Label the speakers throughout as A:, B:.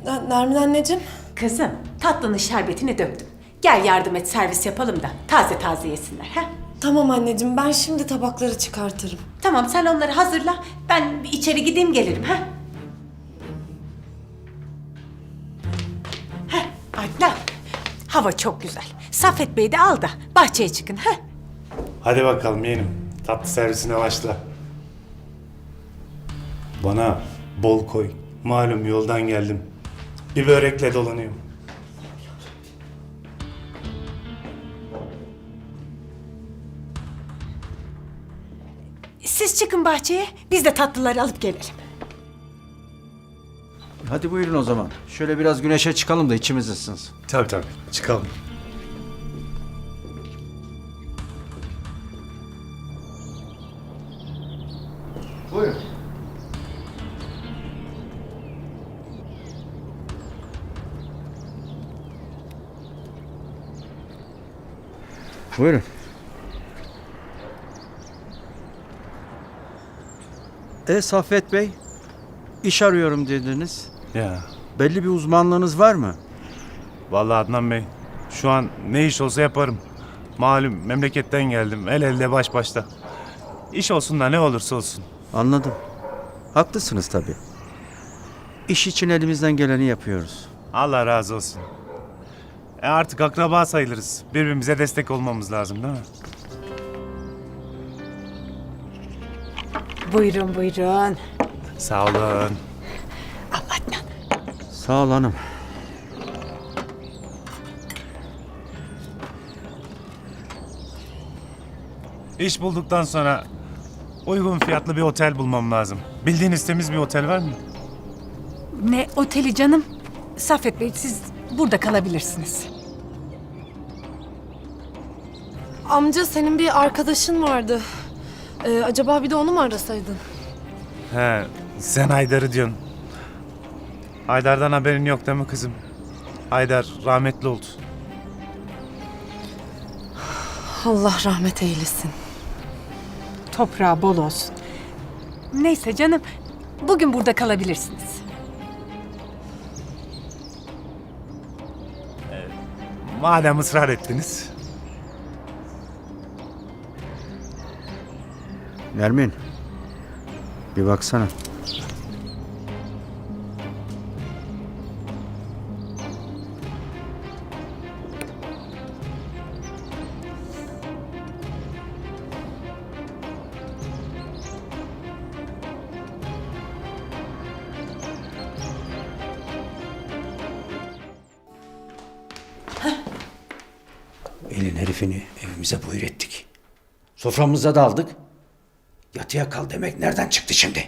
A: Nermin anneciğim.
B: Kızım, tatlının şerbetini döktüm. Gel yardım et, servis yapalım da taze taze yesinler. Ha?
A: Tamam anneciğim, ben şimdi tabakları çıkartırım.
B: Tamam, sen onları hazırla. Ben bir içeri gideyim gelirim. Ha? Adnan, hava çok güzel. Saffet Bey'i de al da bahçeye çıkın. Ha?
C: Hadi bakalım yeğenim. Tatlı servisine başla. Bana bol koy. Malum yoldan geldim. Bir börekle dolanıyorum.
B: Siz çıkın bahçeye, biz de tatlıları alıp gelelim.
D: Hadi buyurun o zaman. Şöyle biraz güneşe çıkalım da içimiz ısınsın.
C: Tabii çıkalım.
D: Buyurun. Buyurun. Saffet Bey, iş arıyorum dediniz.
C: Ya
D: Belli bir uzmanlığınız var mı?
C: vallahi Adnan Bey, şu an ne iş olsa yaparım. Malum memleketten geldim. El elde baş başta. İş olsun da ne olursa olsun.
D: Anladım. Haklısınız tabii. İş için elimizden geleni yapıyoruz.
C: Allah razı olsun. Artık akraba sayılırız. Birbirimize destek olmamız lazım değil mi?
B: Buyurun, buyurun.
C: Sağ olun.
B: Al Adnan.
D: Sağ ol hanım.
C: İş bulduktan sonra uygun fiyatlı bir otel bulmam lazım. Bildiğiniz temiz bir otel var mı?
B: Ne oteli canım? Saffet Bey, siz burada kalabilirsiniz.
A: Amca, senin bir arkadaşın vardı. Acaba bir de onu mu arasaydın?
C: He, sen Haydar'ı diyorsun. Haydar'dan haberin yok değil mi kızım? Haydar rahmetli oldu.
A: Allah rahmet eylesin.
B: Toprağı bol olsun. Neyse canım, bugün burada kalabilirsiniz.
C: Madem ısrar ettiniz.
D: Nermin, bir baksana.
E: Elin herifini evimize buyur ettik. Soframıza da aldık. Yatıya kal demek nereden çıktı şimdi?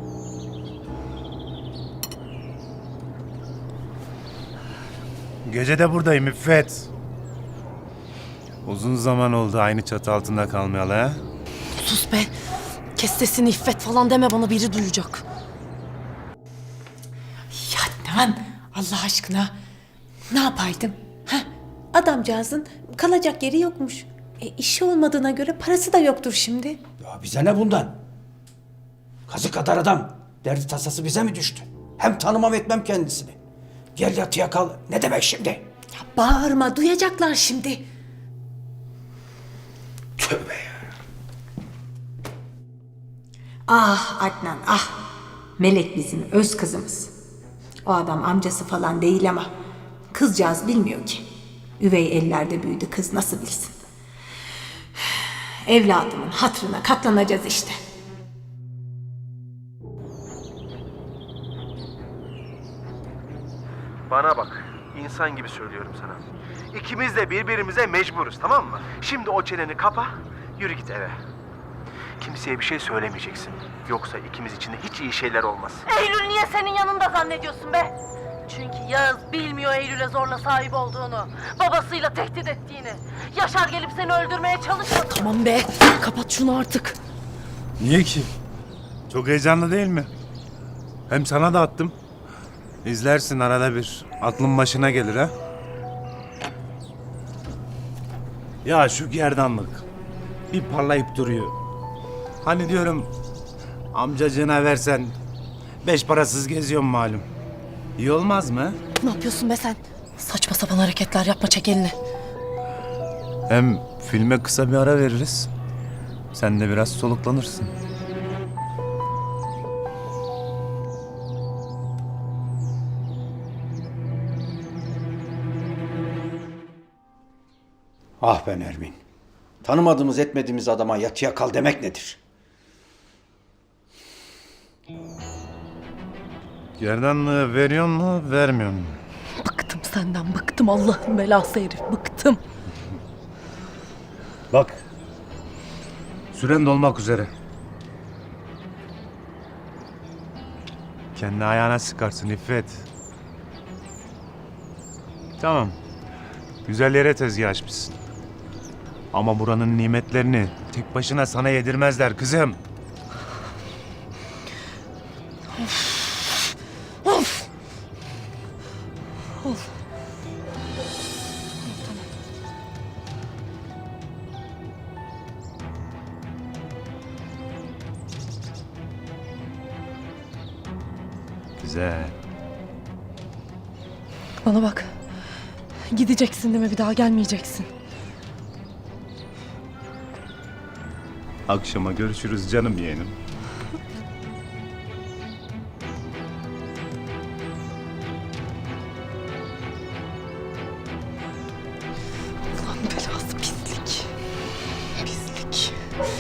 C: Gece de buradayım İffet. Uzun zaman oldu aynı çatı altında kalmayalı ha?
A: Sus be. Kes sesini, İffet falan deme, bana biri duyacak.
B: Ya Adnan, Allah aşkına ne yapaydım? Ha? Adamcağızın kalacak yeri yokmuş. İşi olmadığına göre parası da yoktur şimdi.
E: Ya bize ne bundan? Kazık kadar adam. Derdi tasası bize mi düştü? Hem tanımam etmem kendisini. Gel yatıya kal. Ne demek şimdi?
B: Ya bağırma, duyacaklar şimdi.
E: Tövbe ya.
B: Ah Adnan, ah. Melek bizim öz kızımız. O adam amcası falan değil ama kızcağız bilmiyor ki. Üvey ellerde büyüdü, kız nasıl bilsin. Evladımın hatırına katlanacağız işte.
F: Bana bak, insan gibi söylüyorum sana. İkimiz de birbirimize mecburuz, tamam mı? Şimdi o çeneni kapa, yürü git eve. Kimseye bir şey söylemeyeceksin. Yoksa ikimiz için de hiç iyi şeyler olmaz.
G: Eylül niye senin yanında zannediyorsun be? Çünkü Yağız bilmiyor Eylül'e zorla sahip olduğunu. Babasıyla tehdit ettiğini. Yaşar gelip seni öldürmeye çalışmadı.
A: Tamam be, kapat şunu artık.
C: Niye ki? Çok heyecanlı değil mi? Hem sana da attım. İzlersin arada bir. Aklın başına gelir ha. Ya şu gerdanlık. Bir parlayıp duruyor. Hani diyorum amcacığına versen 5 parasız geziyorum malum. İyi olmaz mı?
A: Ne yapıyorsun be sen? Saçma sapan hareketler yapma, çek elini.
C: Hem filme kısa bir ara veririz. Sen de biraz soluklanırsın.
E: Ah be Nermin. Tanımadığımız etmediğimiz adama yatıya kal demek nedir?
C: Gerdanlığı veriyor mu, vermiyor mu?
A: Bıktım senden, bıktım Allah'ın belası herif, bıktım.
C: Bak. Süren dolmak üzere. Kendi ayağına sıkarsın İffet. Tamam. Güzel yere tezgah açmışsın. Ama buranın nimetlerini tek başına sana yedirmezler kızım. Güzel.
A: Bana bak. Gideceksin değil mi? Bir daha gelmeyeceksin.
C: Akşama görüşürüz canım yeğenim.
A: Ulan belası pislik. Pislik.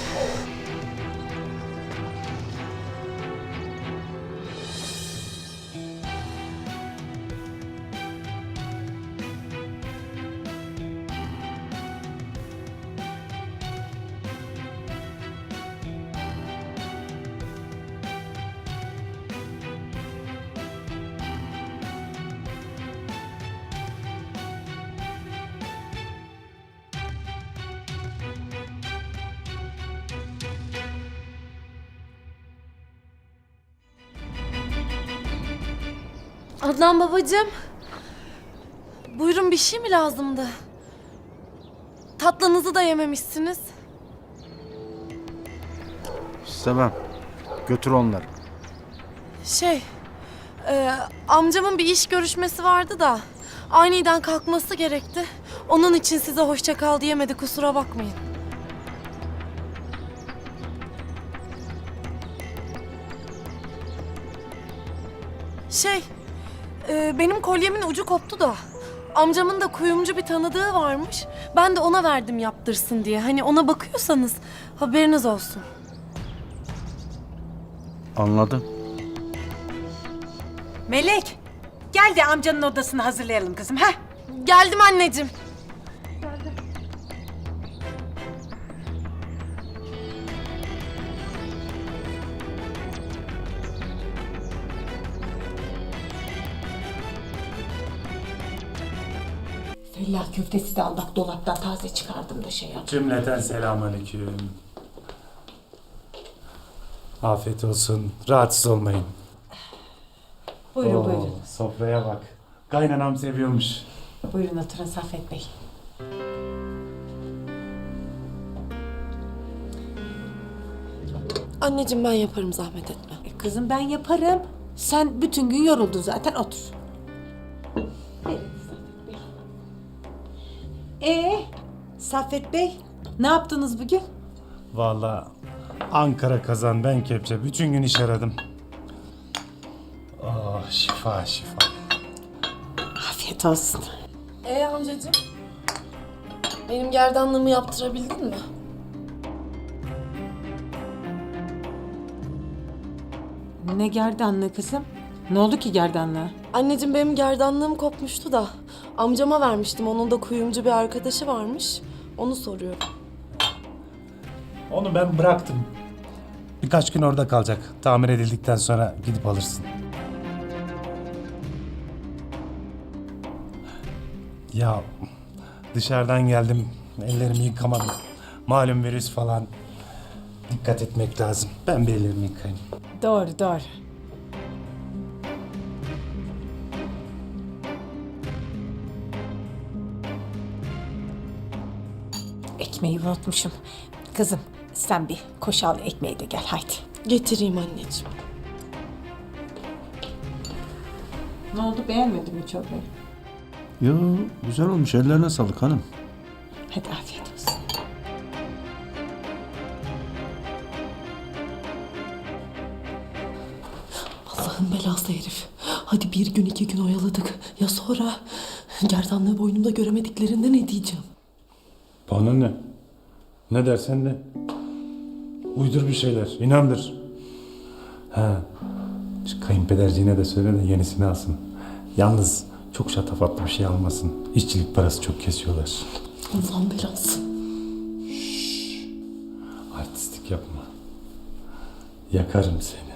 A: Adnan babacığım. Buyurun, bir şey mi lazımdı? Tatlınızı da yememişsiniz.
D: İstemem. Götür onları.
A: Amcamın bir iş görüşmesi vardı da aniden kalkması gerekti. Onun için size hoşça kal diyemedi, kusura bakmayın. Benim kolyemin ucu koptu da amcamın da kuyumcu bir tanıdığı varmış. Ben de ona verdim yaptırsın diye. Hani ona bakıyorsanız haberiniz olsun.
D: Anladım.
B: Melek, gel de amcanın odasını hazırlayalım kızım. Ha?
A: Geldim anneciğim.
B: Fellah köftesi de Allah dolaptan taze çıkardım da şey yap.
C: Cümleten selamünaleyküm. Afiyet olsun. Rahatsız olmayın.
B: Buyurun buyurun.
C: Sofraya bak. Kaynanam seviyormuş.
B: Buyurun oturun Saffet Bey.
A: Anneciğim ben yaparım, zahmet etme.
B: Kızım ben yaparım. Sen bütün gün yoruldun zaten, otur. Saffet Bey, ne yaptınız bugün?
C: Vallahi Ankara kazan ben kepçe. Bütün gün iş aradım. Oh şifa şifa.
B: Afiyet olsun.
A: Amcacığım, benim gerdanlığımı yaptırabildin mi?
B: Ne gerdanlığı kızım? Ne oldu ki gerdanlığa?
A: Anneciğim benim gerdanlığım kopmuştu da amcama vermiştim. Onun da kuyumcu bir arkadaşı varmış. Onu soruyorum.
C: Onu ben bıraktım. Birkaç gün orada kalacak. Tamir edildikten sonra gidip alırsın. Ya dışarıdan geldim. Ellerimi yıkamadım. Malum virüs falan. Dikkat etmek lazım. Ben bir ellerimi yıkayayım.
B: Doğru doğru. Ekmeği unutmuşum. Kızım sen bir koş al ekmeği de gel haydi.
A: Getireyim anneciğim.
B: Ne oldu, beğenmedin mi çorbayı?
E: Yo, güzel olmuş. Ellerine sağlık hanım.
B: Hadi afiyet olsun.
H: Allah'ın belası herif. Hadi bir gün 2 gün oyaladık. Ya sonra? Gerdanlığı boynumda göremediklerinde ne diyeceğim?
C: Bana ne? Ne dersen de. Uydur bir şeyler, inandır. Ha, şu kayınpederciğine de söyle de yenisini alsın. Yalnız çok şatafatlı bir şey almasın. İşçilik parası çok kesiyorlar.
H: Allah'ın belası.
C: Artistlik yapma. Yakarım seni.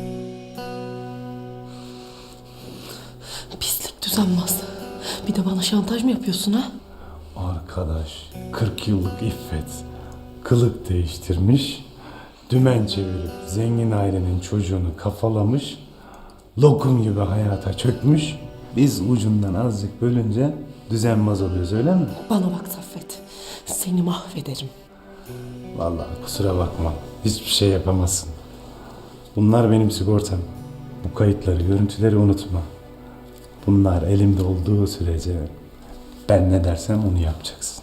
H: Pislik düzenmez. Bir de bana şantaj mı yapıyorsun ha?
C: Arkadaş, 40 yıllık iffet. Kılık değiştirmiş. Dümen çevirip zengin ailenin çocuğunu kafalamış. Lokum gibi hayata çökmüş. Biz ucundan azıcık bölünce düzenmez oluyoruz, öyle mi?
H: Bana bak Saffet. Seni mahvederim.
C: Vallahi kusura bakma. Hiçbir şey yapamazsın. Bunlar benim sigortam. Bu kayıtları, görüntüleri unutma. Bunlar elimde olduğu sürece ben ne dersem onu yapacaksın.